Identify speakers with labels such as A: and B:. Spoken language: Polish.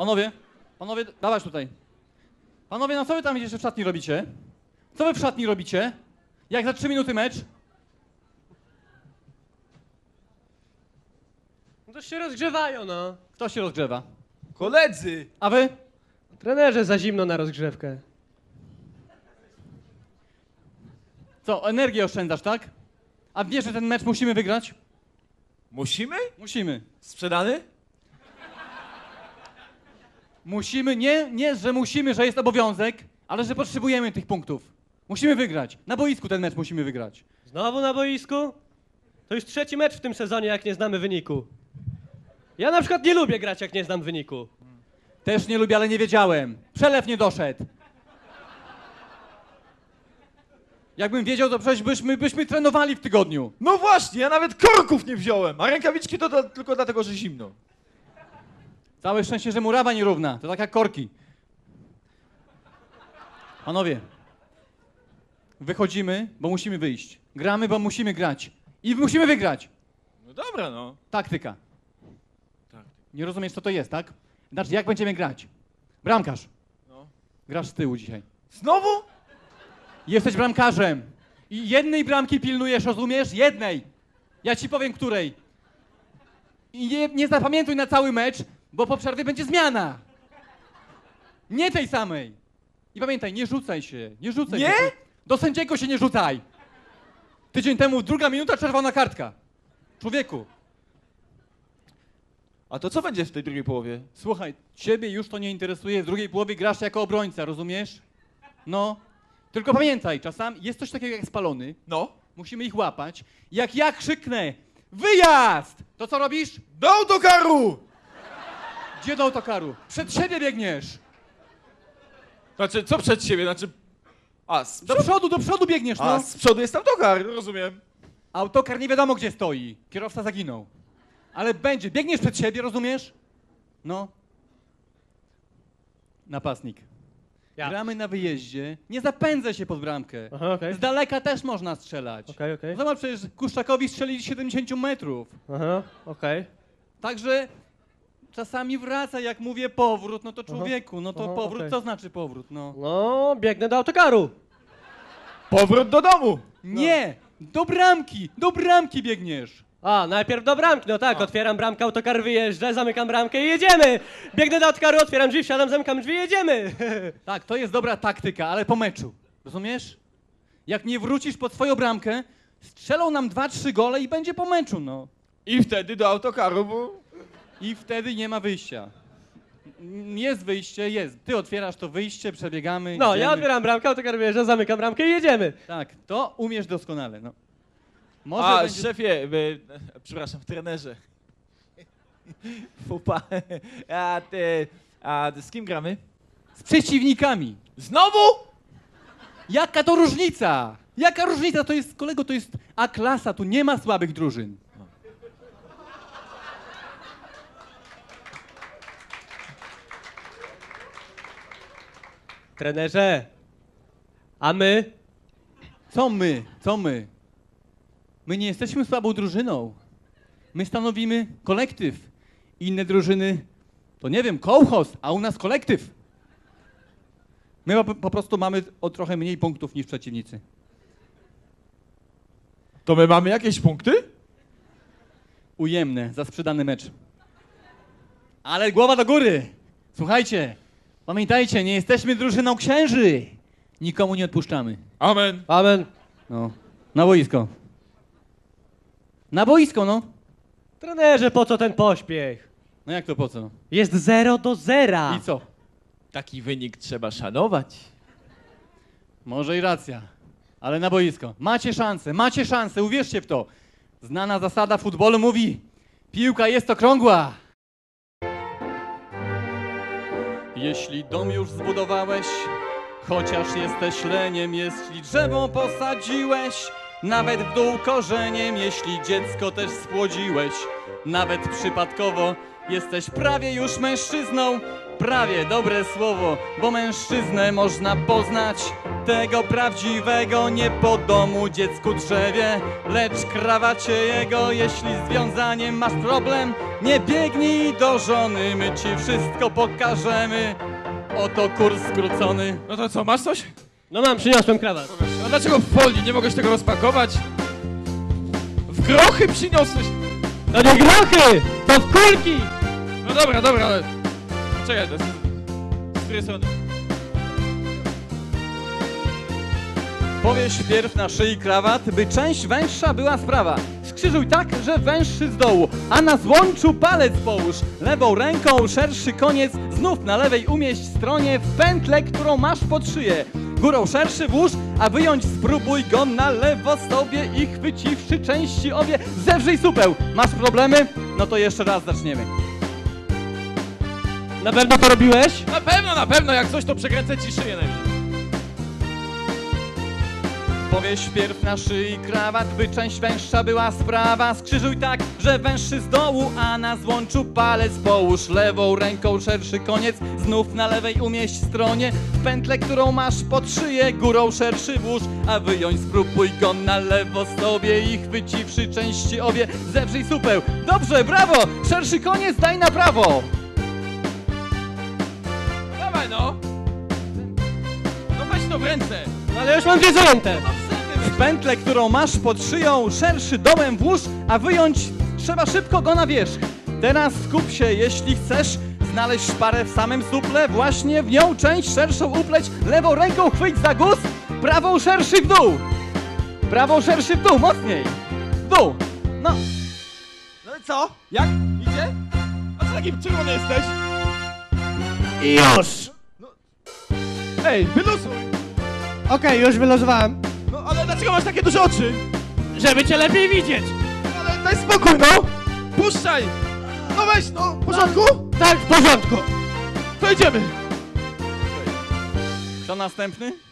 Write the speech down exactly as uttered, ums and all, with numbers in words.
A: Panowie, panowie, dawać tutaj. Panowie, no co wy tam jeszcze w szatni robicie? Co wy w szatni robicie? Jak za trzy minuty mecz?
B: No to się rozgrzewają, no.
A: Kto się rozgrzewa?
C: Koledzy!
A: A wy?
B: Trenerze, za zimno na rozgrzewkę.
A: Co, energię oszczędzasz, tak? A wiesz, że ten mecz musimy wygrać?
C: Musimy?
A: Musimy.
C: Sprzedany?
A: Musimy, nie, nie, że musimy, że jest obowiązek, ale że potrzebujemy tych punktów. Musimy wygrać. Na boisku ten mecz musimy wygrać.
B: Znowu na boisku? To już trzeci mecz w tym sezonie, jak nie znamy wyniku. Ja na przykład nie lubię grać, jak nie znam wyniku.
A: Też nie lubię, ale nie wiedziałem. Przelew nie doszedł. Jakbym wiedział, to przecież byśmy, byśmy trenowali w tygodniu.
C: No właśnie, ja nawet korków nie wziąłem, a rękawiczki to, to tylko dlatego, że zimno.
A: Całe szczęście, że murawa nierówna. To tak jak korki. Panowie, wychodzimy, bo musimy wyjść. Gramy, bo musimy grać. I musimy wygrać.
C: No dobra, no.
A: Taktyka.
C: Tak.
A: Nie rozumiesz, co to jest, tak? Znaczy, jak będziemy grać? Bramkarz.
C: No.
A: Grasz z tyłu dzisiaj.
C: Znowu?
A: Jesteś bramkarzem. I jednej bramki pilnujesz, rozumiesz? Jednej. Ja ci powiem, której. I nie, nie zapamiętuj na cały mecz, bo po przerwie będzie zmiana. Nie tej samej. I pamiętaj, nie rzucaj się. Nie rzucaj
C: Nie?
A: się. Do sędziego się nie rzucaj. Tydzień temu druga minuta, czerwona kartka. Człowieku.
C: A to co będzie w tej drugiej połowie?
A: Słuchaj, ciebie już to nie interesuje, w drugiej połowie grasz jako obrońca, rozumiesz? No. Tylko pamiętaj, czasami jest coś takiego jak spalony,
C: No.
A: musimy ich łapać. Jak ja krzyknę, wyjazd! To co robisz?
C: Do autokaru!
A: Gdzie do autokaru? Przed siebie biegniesz!
C: Znaczy, co przed siebie? Znaczy... A, z,
A: Do przodu, do przodu biegniesz,
C: a,
A: no!
C: z przodu jest autokar, rozumiem.
A: Autokar nie wiadomo gdzie stoi, kierowca zaginął. Ale będzie, biegniesz przed siebie, rozumiesz? No. Napastnik.
B: Ja.
A: Gramy na wyjeździe, nie zapędzę się pod bramkę.
B: Aha, okej.
A: Z daleka też można strzelać.
B: Okej, okej.
A: Zobacz, przecież Kuszczakowi strzeli z siedemdziesięciu metrów.
B: Aha, okej.
A: Także czasami wraca, jak mówię powrót, no to człowieku, no to
B: Aha,
A: powrót,
B: okej.
A: co znaczy powrót, no?
B: No, biegnę do autokaru.
C: Powrót do domu!
A: Nie! Do bramki! Do bramki biegniesz!
B: A, najpierw do bramki, no tak,
A: A.
B: otwieram bramkę, autokar wyjeżdża, zamykam bramkę i jedziemy! Biegnę do autokaru, otwieram drzwi, wsiadam, zamykam drzwi i jedziemy!
A: Tak, to jest dobra taktyka, ale po meczu. Rozumiesz? Jak nie wrócisz pod swoją bramkę, strzelą nam dwa, trzy gole i będzie po meczu, no.
C: I wtedy do autokaru, bo...
A: I wtedy nie ma wyjścia. Jest wyjście, jest. Ty otwierasz to wyjście, przebiegamy.
B: No,
A: idziemy.
B: ja otwieram bramkę, autokar wyjeżdża, zamykam bramkę i jedziemy!
A: Tak, to umiesz doskonale, no. Może
C: A,
A: będzie...
C: szefie, by, przepraszam, trenerze. Fupa. A ty, a z kim gramy?
A: Z przeciwnikami.
C: Znowu?
A: Jaka to różnica? Jaka różnica? To jest, kolego, to jest A-klasa, tu nie ma słabych drużyn.
B: Trenerze, a my?
A: Co my? Co my? My nie jesteśmy słabą drużyną. My stanowimy kolektyw. Inne drużyny to nie wiem, kołchoz, a u nas kolektyw. My po, po prostu mamy o trochę mniej punktów niż przeciwnicy.
C: To my mamy jakieś punkty?
A: Ujemne, za sprzedany mecz. Ale głowa do góry! Słuchajcie, pamiętajcie, nie jesteśmy drużyną księży. Nikomu nie odpuszczamy.
C: Amen.
B: Amen.
A: No, na boisko. Na boisko, no.
B: Trenerze, po co ten pośpiech?
A: No jak to po co?
B: Jest zero do zera.
A: I co?
C: Taki wynik trzeba szanować.
A: Może i racja, ale na boisko. Macie szansę, macie szansę, uwierzcie w to. Znana zasada futbolu mówi, piłka jest okrągła. Jeśli dom już zbudowałeś, chociaż jesteś leniem, jeśli drzewo posadziłeś, nawet w dół korzeniem, jeśli dziecko też spłodziłeś, nawet przypadkowo, jesteś prawie już mężczyzną. Prawie dobre słowo, bo mężczyznę można poznać Tego prawdziwego nie po domu dziecku drzewie, lecz krawacie jego. Jeśli z wiązaniem masz problem, nie biegnij do żony, my ci wszystko pokażemy. Oto kurs skrócony.
C: No to co, masz coś?
B: No mam, przyniosłem krawat.
C: A dlaczego w folii? Nie mogłeś tego rozpakować? W grochy przyniosłeś!
B: To nie grochy, to w kulki!
C: No dobra, dobra, ale... Czekaj, to jest... Z której strony?
A: Powiesz wpierw na szyi krawat, by część węższa była sprawa. Skrzyżuj tak, że węższy z dołu, a na złączu palec połóż. Lewą ręką szerszy koniec znów na lewej umieść stronie w pętlę, którą masz pod szyję. Górą szerszy włóż, a wyjąć spróbuj go na lewo sobie i chwyciwszy części obie, zewrzyj supeł. Masz problemy? No to jeszcze raz zaczniemy.
B: Na pewno to robiłeś?
C: Na pewno, na pewno, jak coś to przekręcę ci szyję najwyżej.
A: Powiesz wpierw na szyi krawat, by część węższa była sprawa. Skrzyżuj tak, że węższy z dołu, a na złączu palec połóż. Lewą ręką szerszy koniec, znów na lewej umieść stronie w pętlę, którą masz pod szyję. Górą szerszy włóż, a wyjąć spróbuj go na lewo sobie i chwyciwszy części obie, zewrzyj supeł. Dobrze, brawo! Szerszy koniec daj na prawo!
C: Dawaj no! No weź to w ręce!
B: No ale już mam dwie zajęte.
A: W pętlę, którą masz pod szyją, szerszy dołem włóż, a wyjąć trzeba szybko go na wierzch. Teraz skup się, jeśli chcesz znaleźć szparę w samym suple, właśnie w nią część szerszą upleć, lewą ręką chwyć za guz, prawą szerszy w dół. Prawą szerszy w dół, mocniej. W dół. No.
C: No i co? Jak? Idzie? A co taki czerwony jesteś?
B: I już!
C: Ej, wyluzuj!
B: Okej, już wylosowałem.
C: No ale dlaczego masz takie duże oczy?
B: Żeby cię lepiej widzieć.
C: Ale daj spokój, no! Puszczaj! No weź, no! W porządku?
B: Tak, w porządku.
C: To idziemy!
A: Kto następny?